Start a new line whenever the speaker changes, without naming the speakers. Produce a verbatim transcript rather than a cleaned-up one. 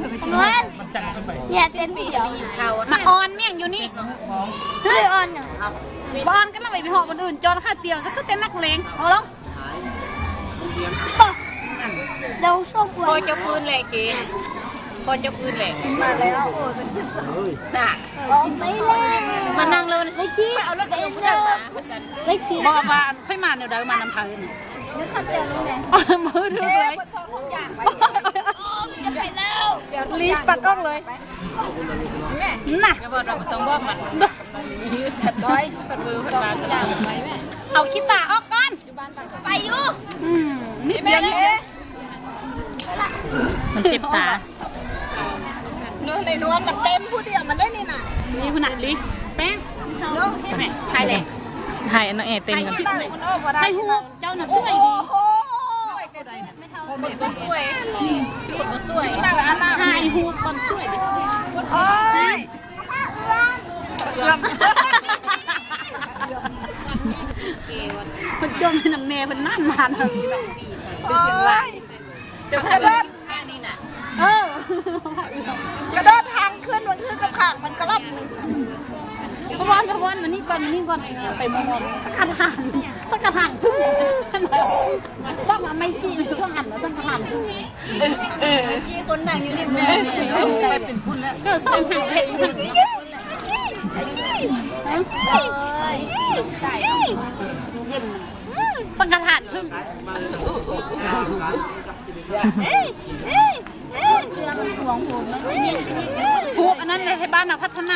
นวลเนี่ยเต้นผู้เดียวมาออนเมี่ยงอยู่นี่เฮ้ยออนเนี่ยบอลก็ต้องไปไปหอบคนอื่นจอนค่าเตียวซะคือเต้นนักเลงเอาลงเดี๋ยวช่วงพอจะฟื้นเลยกีพอจะฟื้นเลยมาแล้วโอ้เป็นขึ้นสาวน่ะออกไปเลยมานั่งเลยไม่จี้เอาแล้วเดี๋ยวเดี๋ยวไม่จี้บอกว่าค่อยมาเดี๋ยวเดี๋ยวมานำทางนี่นึกข้าเตียวลงเลยมือถือเลยจะไปแล้วรีบปัดออกเลยน่ะบอกเราต้องบอกมันยืดสัตว์ด้อยปัดมือปัดปากปัดอย่างไรแม่เอาขี้ตาออกก่อนไปอยู่นี่เบี้ยนี่มันเจ็บตาเนื้อในนวลมันเต็มผู้เดียวมันได้นี่น่ะนี่ขนาดลิแป้งเนาะแม่ไทยแหละไทยน้องเอเต็มกันไทยฮูเจ้าน่ะสวยดีคนก็สวยคนก็สวยไทยฮูคนสวยดิโอ้ยคนจมในน้ำเมย์คนนั่นนานเลยเป็นเสียงไรกระโดดท่านี่น่ะเออกระโดดทางขึ้นมันขึ้นกับขางมันกระลับหนึ่งพะวันพะวันมันนี่ก่อนมันนี่ก่อนไอเนี่ยไปมองสักกระถางสักกระถางพึ่งต้องมาไม่กี่สักหันแล้วสักกระถางพึ่งจีคนนั่งอยู่นี่แม่ไปเป็นพุ่นแล้วเดี๋ยวส่งหางเลยใส่สังกะถานพึ่งเอ้ยเอ้ยเอ้ยเสือมันหวงหูมันหูอันนั้นในบ้านเราพัฒนา